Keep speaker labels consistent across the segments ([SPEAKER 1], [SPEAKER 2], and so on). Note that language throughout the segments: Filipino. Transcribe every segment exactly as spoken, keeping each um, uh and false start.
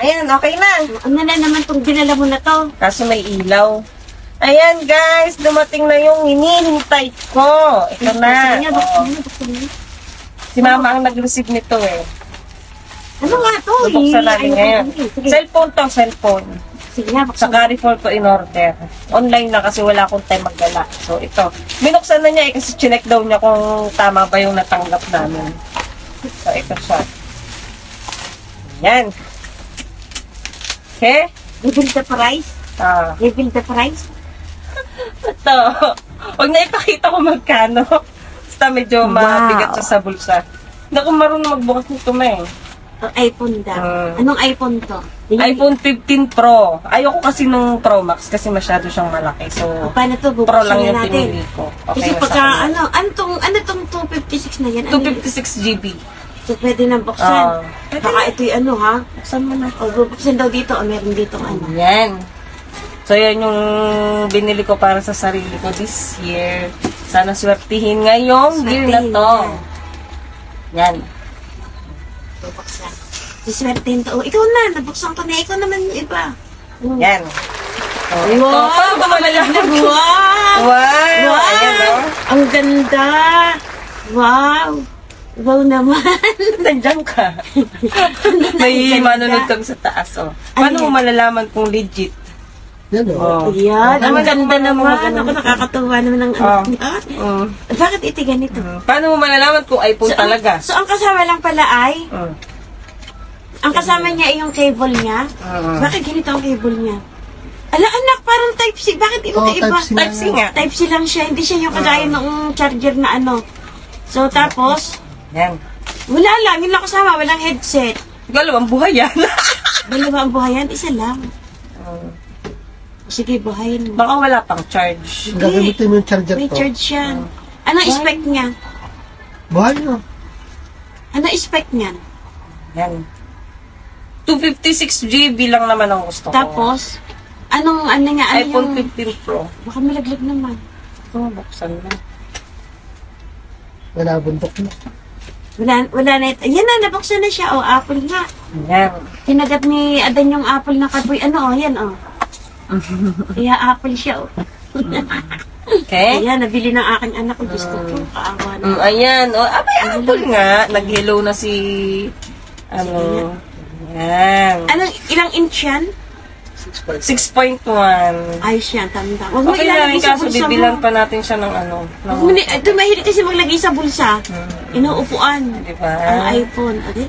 [SPEAKER 1] ayan, okay na.
[SPEAKER 2] Ano na naman itong dinala mo na to?
[SPEAKER 1] Kaso may ilaw. Ayan guys, dumating na yung hinihintay ko. Ito na.
[SPEAKER 2] Sige,
[SPEAKER 1] Oh.
[SPEAKER 2] buksan mo, buksan mo.
[SPEAKER 1] Si mama ang nag-receive nito eh.
[SPEAKER 2] Ano nga to?
[SPEAKER 1] Bubuksan
[SPEAKER 2] Eh,
[SPEAKER 1] natin
[SPEAKER 2] ano
[SPEAKER 1] ngayon.
[SPEAKER 2] ba? Sige,
[SPEAKER 1] Cellphone to, cellphone.
[SPEAKER 2] sige nga,
[SPEAKER 1] Sa
[SPEAKER 2] buksan mo.
[SPEAKER 1] Carrefour ko in order. Online na kasi wala akong time magdala. So ito. Binuksan na niya eh kasi chinek daw niya kung tama ba yung natanggap namin. So ito siya. Yan. Okay?
[SPEAKER 2] Reveal the price?
[SPEAKER 1] Ah.
[SPEAKER 2] Reveal the price?
[SPEAKER 1] Ito. Huwag na ipakita ko magkano. Basta medyo
[SPEAKER 2] Wow.
[SPEAKER 1] mabigat siya sa bulsa. Hindi ako marunong magbukas nito ma eh.
[SPEAKER 2] O, iPhone daw.
[SPEAKER 1] Ah.
[SPEAKER 2] Anong iPhone to?
[SPEAKER 1] iPhone fifteen Pro. Ayoko kasi nung Pro Max kasi masyado siyang malaki. So,
[SPEAKER 2] O, paano to?
[SPEAKER 1] Pro
[SPEAKER 2] Bubuksan
[SPEAKER 1] lang
[SPEAKER 2] na
[SPEAKER 1] yung
[SPEAKER 2] natin.
[SPEAKER 1] pinili ko. Okay
[SPEAKER 2] Kasi
[SPEAKER 1] na sa
[SPEAKER 2] pagka,
[SPEAKER 1] akin.
[SPEAKER 2] ano, ano tong, ano tong two fifty-six na yan?
[SPEAKER 1] two
[SPEAKER 2] Ano yun?
[SPEAKER 1] fifty-six G B.
[SPEAKER 2] So, pwede nang buksan.
[SPEAKER 1] Ah.
[SPEAKER 2] Baka ito yung ano, ha?
[SPEAKER 1] Buksan mo na.
[SPEAKER 2] O, bubuksan daw dito. O, meron dito ano.
[SPEAKER 1] Yan. So, yan yung binili ko para sa sarili ko this year. Sana swertihin ngayong year na
[SPEAKER 2] Swertihin
[SPEAKER 1] to. Yan.
[SPEAKER 2] Bubuksan. Siswertein to. O, ikaw na. Nabuksan ko na. Ikaw naman yung iba.
[SPEAKER 1] Yan. Oh, ito. Paano ba malalaman ko?
[SPEAKER 2] Wow!
[SPEAKER 1] Wow!
[SPEAKER 2] Wow!
[SPEAKER 1] Ayan, oh.
[SPEAKER 2] Ang ganda! Wow! Wow naman!
[SPEAKER 1] Nandiyan ka. May
[SPEAKER 2] Ang ganda.
[SPEAKER 1] manunod kang sa taas, oh. Paano
[SPEAKER 2] Ano
[SPEAKER 1] mo
[SPEAKER 2] yan?
[SPEAKER 1] malalaman kung legit?
[SPEAKER 3] Yan o.
[SPEAKER 1] Oh.
[SPEAKER 2] Ayan, ang
[SPEAKER 1] Naman,
[SPEAKER 2] ganda
[SPEAKER 1] naman,
[SPEAKER 2] naman.
[SPEAKER 1] naman.
[SPEAKER 2] Ako nakakatuwa naman ng
[SPEAKER 1] Oh.
[SPEAKER 2] anak niya.
[SPEAKER 1] Mm.
[SPEAKER 2] Bakit ito ganito?
[SPEAKER 1] Paano mo malalaman kung iPhone
[SPEAKER 2] ang-
[SPEAKER 1] talaga?
[SPEAKER 2] so, ang kasama lang pala ay,
[SPEAKER 1] Mm.
[SPEAKER 2] ang kasama niya ay yung cable niya.
[SPEAKER 1] Mm.
[SPEAKER 2] Bakit ganito ang cable niya? Ala, anak, parang Type-C. Bakit iba
[SPEAKER 3] Oh,
[SPEAKER 2] iba?
[SPEAKER 3] Type-C na
[SPEAKER 1] Type-C nga.
[SPEAKER 2] Type-C lang siya. Hindi siya yung kagaya ng charger na ano. So, tapos,
[SPEAKER 1] Yan.
[SPEAKER 2] wala lang. Yung lang kasama, walang headset.
[SPEAKER 1] Galawang buhay yan.
[SPEAKER 2] Dalawa ang buhayan, isa lang.
[SPEAKER 1] Mm.
[SPEAKER 2] Sige, buhayin mo.
[SPEAKER 1] Baka wala pang charge.
[SPEAKER 3] Gagamitin mo yung charger
[SPEAKER 2] May
[SPEAKER 3] to.
[SPEAKER 2] charge yan. Anong spec niya?
[SPEAKER 3] Buhay mo.
[SPEAKER 2] Anong spec niyan?
[SPEAKER 1] Yan. two fifty-six G B lang naman ang gusto ko.
[SPEAKER 2] Tapos, anong, ano nga, ano
[SPEAKER 1] iPhone
[SPEAKER 2] yung...
[SPEAKER 1] fifteen Pro.
[SPEAKER 2] Baka malaglag naman.
[SPEAKER 1] Ito, buksan na.
[SPEAKER 3] Nalabundok mo.
[SPEAKER 2] Wala, wala na ito. Yan na, nabuksan na siya. O, apple nga.
[SPEAKER 1] Yan.
[SPEAKER 2] Tinagat ni Adan yung apple na kaboy. Ano, o, yan, o. Kaya apple siya, o.
[SPEAKER 1] Okay?
[SPEAKER 2] Ayan, nabili ng aking anak ko. Gusto ko, kaawa na.
[SPEAKER 1] Mm, ayan. O, ah, may apple nga. Nag-hello na si... Ano... Yan.
[SPEAKER 2] Anong, ilang inch yan?
[SPEAKER 1] six point one.
[SPEAKER 2] Ayos yan, tanda. Huwag mo
[SPEAKER 1] Okay lang,
[SPEAKER 2] ilalagay sa
[SPEAKER 1] kaso
[SPEAKER 2] bulsa
[SPEAKER 1] bibilan
[SPEAKER 2] mo.
[SPEAKER 1] pa natin siya ng ano. Ng,
[SPEAKER 2] Huwag mo ni- ito, mahilig kasi maglagay sa bulsa.
[SPEAKER 1] Hmm.
[SPEAKER 2] Inuupuan.
[SPEAKER 1] Diba?
[SPEAKER 2] Ang iPhone. Okay?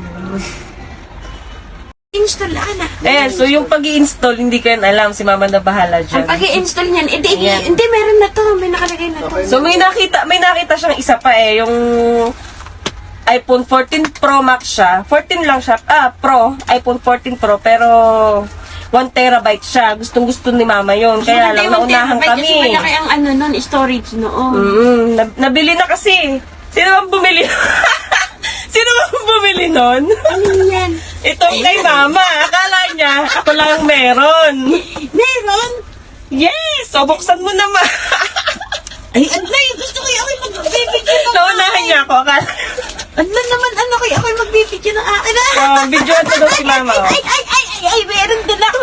[SPEAKER 2] Install, anak.
[SPEAKER 1] Ayan, so yung pag install hindi ko yan alam. Si mama na bahala dyan.
[SPEAKER 2] Ang pag-i-install niyan, hindi,
[SPEAKER 1] Ayan.
[SPEAKER 2] hindi, meron na to. May nakalagay na to.
[SPEAKER 1] So may nakita, may nakita siyang isa pa eh. Yung iPhone fourteen Pro Max siya. fourteen lang siya. Ah, Pro. iPhone fourteen Pro. Pero one terabyte siya. Gustong gusto ni mama yun. Kaya lang naunahan
[SPEAKER 2] Kasi
[SPEAKER 1] kami.
[SPEAKER 2] malaki ang ano nun, storage noon.
[SPEAKER 1] Mm, nab- nabili na kasi. Sino bang bumili? Sino bang bumili nun?
[SPEAKER 2] Ano yan?
[SPEAKER 1] Itong kay mama. Akala niya, ako lang ang meron.
[SPEAKER 2] Meron?
[SPEAKER 1] Yes! So, buksan mo naman.
[SPEAKER 2] Ay, Adlay, gusto ko yung ako'y magbibigyan ng
[SPEAKER 1] Naunahan niya ako. Akala.
[SPEAKER 2] Adlay naman, ano kayo ako'y magbibigyan ng akin.
[SPEAKER 1] Oh, videoan ko daw si mama. Oh.
[SPEAKER 2] Ay, ay, ay, ay, ay, meron din ako.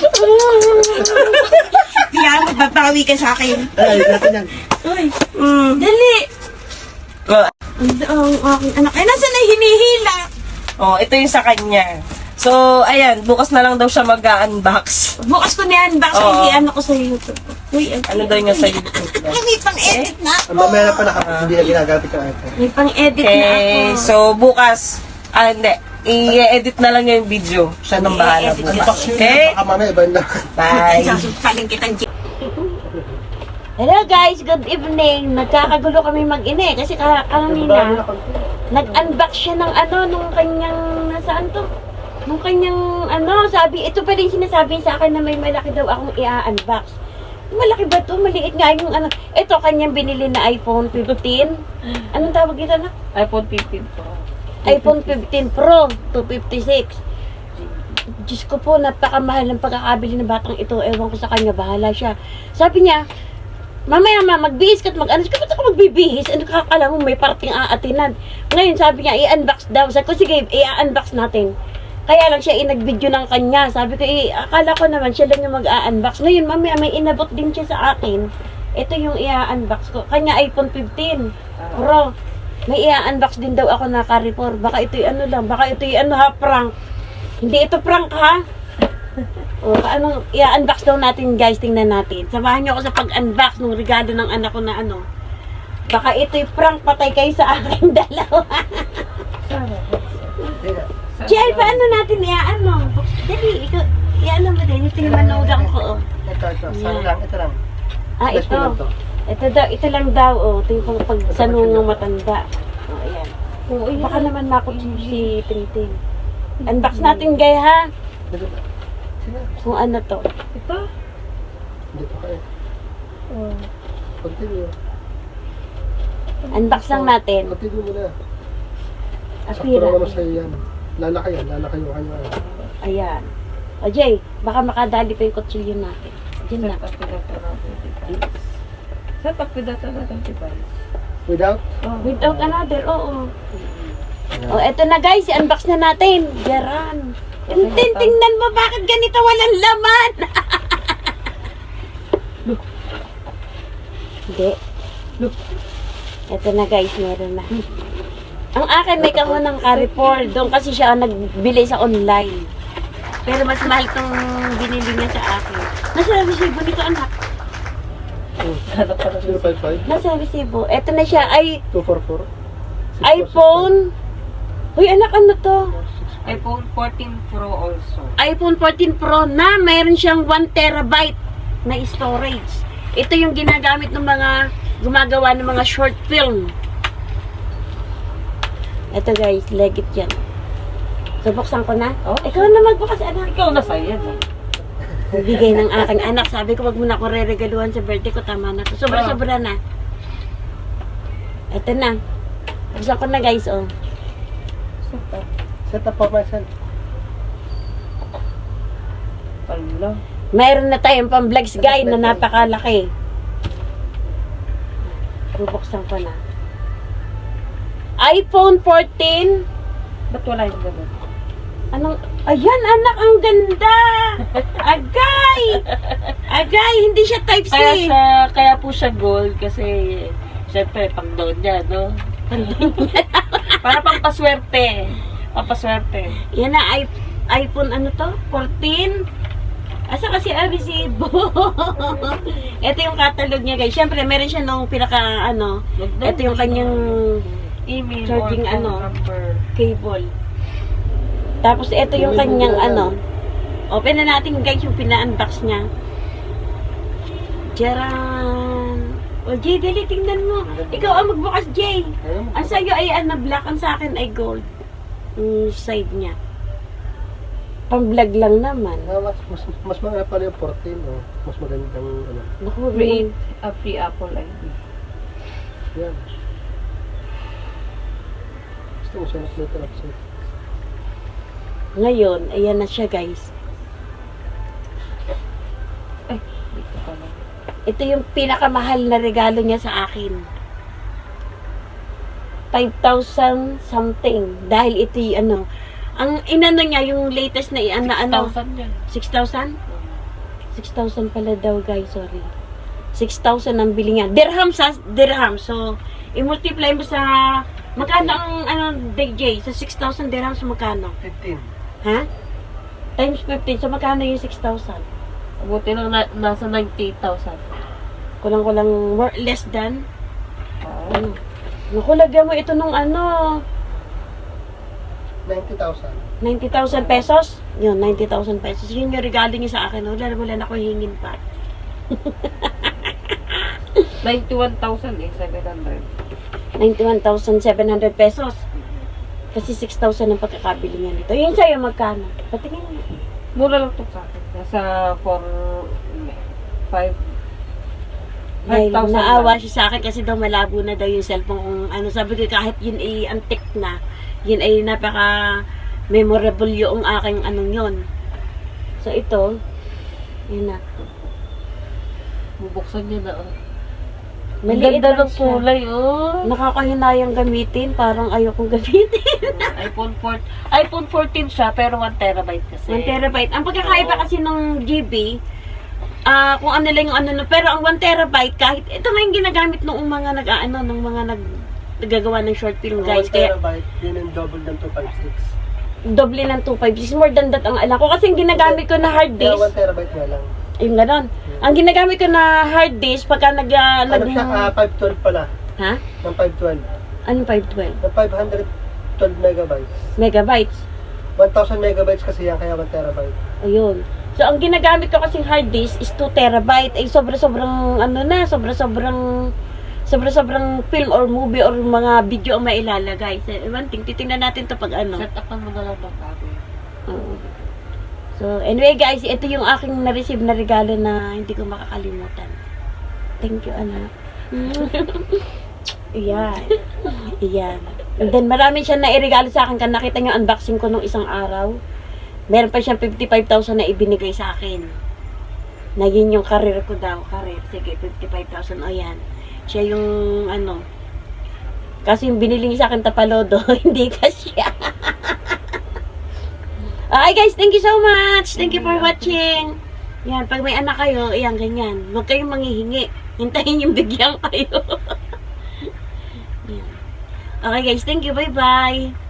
[SPEAKER 2] Kaya magbabawi ka sa akin.
[SPEAKER 3] Ay, natin yan.
[SPEAKER 2] Uy,
[SPEAKER 1] Mm.
[SPEAKER 2] dali.
[SPEAKER 1] Oh,
[SPEAKER 2] Ang aking anak. Ay, nasa na hinihila?
[SPEAKER 1] oh, ito yung sa kanya. So, ayan, bukas na lang daw siya mag-unbox.
[SPEAKER 2] Bukas ko na yan, box
[SPEAKER 1] Oo.
[SPEAKER 2] hindi ano ko sa YouTube. Uy, ay,
[SPEAKER 1] Ano daw niya sa YouTube?
[SPEAKER 2] Ay, may pang-edit na
[SPEAKER 3] Ang
[SPEAKER 2] ako.
[SPEAKER 3] mamaya na pa naka, hindi na ginagamit yung iPhone.
[SPEAKER 2] May pang-edit na ako.
[SPEAKER 1] Okay, so bukas, ah, hindi, i-edit na lang niya yung video. Siya nang bahala
[SPEAKER 2] I-edit
[SPEAKER 1] bukas.
[SPEAKER 2] niya.
[SPEAKER 3] Unbox yun,
[SPEAKER 1] Okay?
[SPEAKER 3] baka mamaya iba na.
[SPEAKER 1] Bye!
[SPEAKER 2] Sasaling kitang G. Hello guys, good evening. Nagkakagulo kami mag-ine kasi ka kanina nag-unbox siya ng ano nung kanyang nasaan to? Nung kanyang ano, sabi ito pa rin sinasabi sa akin na may malaki daw akong i-unbox. Malaki ba to? Maliit nga yung ano. Ito kanyang binili na iPhone fifteen. Anong tawag ito na?
[SPEAKER 1] iPhone fifteen Pro.
[SPEAKER 2] iPhone fifteen Pro two fifty-six. Diyos ko po, napakamahal ng pagkakabili ng batang ito. Ewan ko sa kanya, bahala siya. Sabi niya, mamaya ma, magbihis ka at mag-ano. Ba't ako magbibihis? Ano ka, alam mo, may parating aatinan. Ngayon, sabi niya, i-unbox daw. Sabi ko, sige, i-unbox natin. Kaya lang siya inag-video ng kanya. Sabi ko, eh, akala ko naman siya lang yung mag-a-unbox. Ngayon, mamaya may inabot din siya sa akin. Ito yung i-unbox ko. Kanya iPhone fifteen Pro. May i-unbox din daw ako na Carrefour. Baka ito'y ano lang. Baka ito'y ano ha, prank. Hindi ito prank ha. O, ano, i-unbox daw natin guys. Tingnan natin. Samahan niyo ako sa pag-unbox ng regalo ng anak ko na ano. Baka ito'y prank patay kayo sa aking dalawa. Jay, paano natin i-ano? Dali, ikaw, i-ano mo din. Ito yung manugang ko. Oh.
[SPEAKER 3] Ito, ito. Saan lang? Ito lang.
[SPEAKER 2] Ah,
[SPEAKER 3] Flash
[SPEAKER 2] ito.
[SPEAKER 3] mo lang to.
[SPEAKER 2] Ito daw, ito lang daw, oh. Ito yung pang pagsanungang matanda. Oh, ayan.
[SPEAKER 1] Oo, yan.
[SPEAKER 2] Baka naman makot si Tingting. Unbox natin, gay, ha?
[SPEAKER 3] Dito ba? Sige.
[SPEAKER 2] Kung ano to.
[SPEAKER 1] Ito?
[SPEAKER 3] Dito ka eh.
[SPEAKER 1] Oh.
[SPEAKER 3] Continue.
[SPEAKER 2] Unbox lang natin.
[SPEAKER 3] Continue mo na. Sakto
[SPEAKER 2] Apira.
[SPEAKER 3] lang naman sa'yo yan. Lalaki yan. Lalaki yung kanya.
[SPEAKER 2] Ayan. O, Jay, baka makadali pa yung kutsilyo natin. Diyan na.
[SPEAKER 1] Set up with that natin device. Set up with that natin device.
[SPEAKER 3] Without?
[SPEAKER 1] Oh.
[SPEAKER 2] Without another, oo. O, eto na guys, i-unbox na natin. Garan. Tintin, tingnan mo, bakit ganito walang laman? Hindi.
[SPEAKER 1] Look.
[SPEAKER 2] Eto na guys, meron na. Ang akin may kahon ng Carrefour. Doon kasi siya nagbili sa online. Pero mas mahal tong binili niya sa akin. Nasa resibo nito, anak.
[SPEAKER 1] Hanap pa na
[SPEAKER 3] zero five five?
[SPEAKER 2] Nasa resibo. Eto na siya, ay
[SPEAKER 3] two four four?
[SPEAKER 2] iPhone. Uy, anak, ano to?
[SPEAKER 1] iPhone fourteen Pro also.
[SPEAKER 2] iPhone fourteen Pro na mayroon siyang one terabyte na storage. Ito yung ginagamit ng mga gumagawa ng mga short film. Ito guys, legit yan. So, buksan ko na.
[SPEAKER 1] Oh,
[SPEAKER 2] Ikaw na magbukas, anak.
[SPEAKER 1] Ikaw na sa'yo yan.
[SPEAKER 2] Bigay ng aking anak. Sabi ko, wag mo na ako re-regaluhan sa birthday ko. Tama na to. Sobra-sobra na. Ito na. Buksan ko na guys, oh.
[SPEAKER 1] Set up.
[SPEAKER 3] Set up for myself.
[SPEAKER 1] Pala.
[SPEAKER 2] Mayroon na tayong pang-vlogs guy na napakalaki. Bubuksan ko na. iPhone fourteen.
[SPEAKER 1] Ba't wala yung ganun?
[SPEAKER 2] Anong, ayan anak, ang ganda! Agay! Agay, hindi siya type C.
[SPEAKER 1] Kaya siya, kaya po siya gold kasi syempre pang doon niya, no? Para pampaswerte. Pampaswerte.
[SPEAKER 2] Yan na, i- iPhone ano to? fourteen? Asa kasi ang resibo? Ito yung catalog niya guys. Syempre, meron siya nung pinaka ano, ito yung kanyang
[SPEAKER 1] email
[SPEAKER 2] charging
[SPEAKER 1] or phone
[SPEAKER 2] ano.
[SPEAKER 1] number.
[SPEAKER 2] cable. Tapos ito yung kanyang ano. Open na natin guys yung pina-unbox niya. Jaran. O Jay, dali tingnan mo. Ikaw ang magbukas, Jay.
[SPEAKER 3] Ayun mo.
[SPEAKER 2] Ang sa'yo ay ano, black. Ang sa akin ay gold. Yung side niya. Pang-vlog lang naman.
[SPEAKER 3] Ah, mas, mas, mas maganda pala yung fourteen, oh. Mas magandang, ano.
[SPEAKER 2] Naku,
[SPEAKER 1] Free, a free Apple I D.
[SPEAKER 3] Yan. Gusto mo siya na upset.
[SPEAKER 2] ngayon, ayan na siya guys.
[SPEAKER 1] Ay, dito pa lang.
[SPEAKER 2] Ito yung pinakamahal na regalo niya sa akin. five thousand something. Dahil ito yung ano, ang inano niya, yung latest na i-ano, ano,
[SPEAKER 1] six thousand yan.
[SPEAKER 2] six thousand? six thousand pala daw guys, sorry. six thousand ang bili niya. Dirham sa dirham. So, i-multiply mo sa, magkano ang, ano, D J? Sa six thousand dirhams, magkano?
[SPEAKER 3] fifteen.
[SPEAKER 2] Ha? Times fifteen. So, magkano yung six thousand?
[SPEAKER 1] Buti lang na, nasa ninety-eight thousand.
[SPEAKER 2] Kulang-kulang more, less than?
[SPEAKER 1] Oh.
[SPEAKER 2] Ano? Naku, lagyan mo ito nung ano,
[SPEAKER 3] ninety thousand.
[SPEAKER 2] ninety thousand pesos? Yun, ninety thousand pesos. Yun yung regalo niya sa akin. Wala, wala na ako hingin pa.
[SPEAKER 1] ninety-one thousand eh, seven hundred.
[SPEAKER 2] ninety-one thousand seven hundred pesos. Kasi six thousand ang pagkakabili niya nito. Yun sa'yo, magkano? Patingin mo.
[SPEAKER 1] Mura lang to sa akin. Nasa four, five,
[SPEAKER 2] Dahil
[SPEAKER 1] five thousand
[SPEAKER 2] naawa
[SPEAKER 1] lang.
[SPEAKER 2] siya sa akin kasi daw malabo na daw yung cellphone. Kung ano, sabi ko kahit yun ay antique na, yun ay napaka memorable yung aking anong yun. So ito, yun na.
[SPEAKER 1] Bubuksan niya na. Oh.
[SPEAKER 2] Maliit
[SPEAKER 4] Ganda
[SPEAKER 2] lang
[SPEAKER 4] ng
[SPEAKER 2] siya.
[SPEAKER 4] kulay, oh.
[SPEAKER 2] Nakakahinayang gamitin, parang ayokong gamitin.
[SPEAKER 4] iPhone four, iPhone fourteen siya, pero one terabyte kasi.
[SPEAKER 2] one terabyte. Ang pagkakaiba
[SPEAKER 4] Oo.
[SPEAKER 2] kasi ng G B, ah kung ano lang yung ano, no, pero ang one terabyte, kahit, ito nga yung ginagamit ng mga nag, ano, ng mga nag, nagagawa ng short film, guys.
[SPEAKER 3] one
[SPEAKER 2] Kaya,
[SPEAKER 3] terabyte, yun yung double ng two fifty-six.
[SPEAKER 2] doble ng two fifty-six. More than that ang alam ko. Kasi yung ginagamit ko na hard
[SPEAKER 3] Kaya
[SPEAKER 2] disk,
[SPEAKER 3] one terabyte nga lang.
[SPEAKER 2] yung ganon. Ang ginagamit ko na hard disk, pagka nag, ah,
[SPEAKER 3] Ano
[SPEAKER 2] nag,
[SPEAKER 3] siya, ah, five twelve pala.
[SPEAKER 2] ha?
[SPEAKER 3] Ng five twelve.
[SPEAKER 2] Anong five twelve?
[SPEAKER 3] Ng five hundred twelve megabytes.
[SPEAKER 2] Megabytes.
[SPEAKER 3] one thousand megabytes kasi yan, kaya one terabyte.
[SPEAKER 2] Ayun. So, ang ginagamit ko kasing hard disk is two terabyte. Ay, sobra-sobrang, ano na, sobra-sobrang, sobra-sobrang film or movie or mga video ang mailalagay. So, one thing, titingnan natin to pag ano.
[SPEAKER 4] Set up mo na lang ng bago.
[SPEAKER 2] Oo. So, anyway guys, ito yung aking na-receive na regalo na hindi ko makakalimutan. Thank you, anak. Iyan. Iyan. And then, marami siya na irigalo sa akin. Kan nakita niyo unboxing ko nung isang araw. Meron pa siyang fifty-five thousand na ibinigay sa akin. Naging yung career ko daw. Career. Sige, fifty-five thousand. O yan. Siya yung, ano. Kasi yung binili niya sa akin tapalodo, hindi ka siya. Okay guys, thank you so much. Thank you for watching. Yan, pag may anak kayo, yan, ganyan. Huwag kayong manghihingi. Hintayin yung bigyan kayo. Yan. Okay guys, thank you. Bye-bye.